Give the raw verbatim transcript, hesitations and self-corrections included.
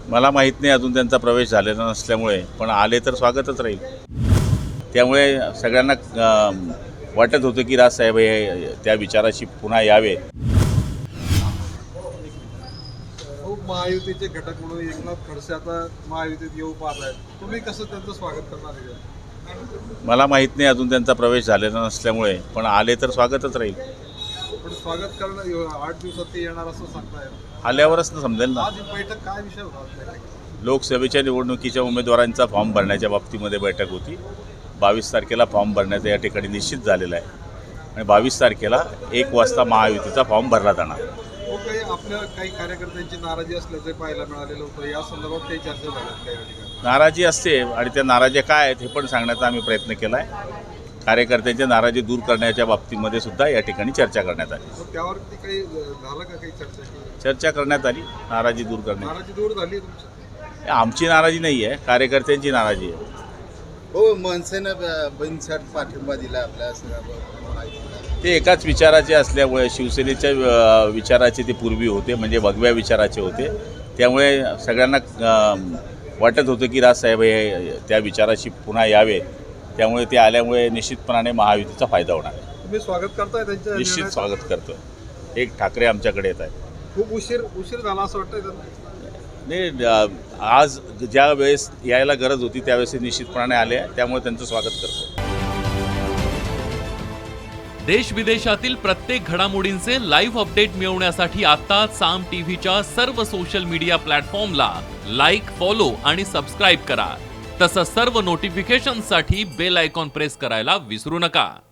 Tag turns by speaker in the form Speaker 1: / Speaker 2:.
Speaker 1: मला माहीत नाही अजून त्यांचा प्रवेश झालेला नसल्यामुळे, पण आले तर स्वागतच राहील. त्यामुळे सगळ्यांना अ, वाटत होतं की राजसाहेब हे त्या विचाराशी पुन्हा यावे.
Speaker 2: खूप महायुतीचे घटक म्हणून एकनाथ खडसे आता महायुतीत येऊ पाहत आहेत. तुम्ही कसं त्यांचं स्वागत करणार आहे?
Speaker 1: मला माहीत नाही अजून त्यांचा प्रवेश झालेला नसल्यामुळे, पण आले तर स्वागतच राहील.
Speaker 2: पण स्वागत करणं आठ दिवसात ते येणार असं सांगताय.
Speaker 1: आल्यावरच ना समजेल ना.
Speaker 2: आज बैठक काय विषय होता आज बैठकीत?
Speaker 1: लोकसभेच्या निवडणुकीच्या उमेदवारांचा फॉर्म भरण्याच्या बाबतीमध्ये बैठक होती. बावीस तारखेला फॉर्म भरण्याचं या ठिकाणी निश्चित झालेलं आहे आणि बावीस तारखेला एक वाजता महायुतीचा फॉर्म भरला जाणार.
Speaker 2: हो, काही आपल्या काही कार्यकर्त्यांची नाराजी असल्याचे पाहायला मिळालेलं होतं. या संदर्भात काही चर्चा झाल्या काही ठिकाणी?
Speaker 1: नाराजी असते आणि त्या नाराज्या काय आहेत हे पण सांगण्याचा आम्ही प्रयत्न केला आहे. कार्यकर्त्यांच्या नाराजी दूर करण्याच्या बाबतीमध्ये सुद्धा या ठिकाणी चर्चा करण्यात आली.
Speaker 2: मग त्यावरती काही झालं का, काही चर्चा केली?
Speaker 1: चर्चा करण्यात आली नाराजी दूर करण्याची.
Speaker 2: नाराजी दूर झाली तुमची?
Speaker 1: आमची नाराजी नाही आहे, कार्यकर्त्यांची नाराजी आहे.
Speaker 3: हो, मनसेनं बिनशर्त पाठिंबा दिला आपल्या सगळ्या.
Speaker 1: ते एकाच विचाराचे असल्यामुळे शिवसेनेच्या अ, विचाराचे ते पूर्वी होते, म्हणजे भगव्या विचाराचे होते. त्यामुळे सगळ्यांना अ, वाटत होतं की राजसाहेब हे त्या विचाराशी पुन्हा यावे. त्यामुळे ते आल्यामुळे निश्चितपणाने महायुतीचा फायदा होणार आहे.
Speaker 2: तुम्ही स्वागत करताय त्यांच्या
Speaker 1: निश्चित
Speaker 2: निर्णयाचं?
Speaker 1: स्वागत करतो. एक ठाकरे आमच्याकडे येत आहेत.
Speaker 2: खूप उशीर उशीर झाला असं वाटतंय त्यांना?
Speaker 1: नाही, अ, आज ज्या वेळेस यायला गरज होती त्यावेळेस ते निश्चितपणाने आले आहे. त्यामुळे त्यांचं स्वागत करतो.
Speaker 4: देश विदेशातील प्रत्येक घडामोडींचे लाईव्ह अपडेट मिळवण्यासाठी आता साम टीव्हीच्या सर्व सोशल मीडिया प्लॅटफॉर्मला लाईक, फॉलो आणि सबस्क्राईब करा. तसंच सर्व नोटिफिकेशनसाठी बेल आयकॉन प्रेस करायला विसरू नका.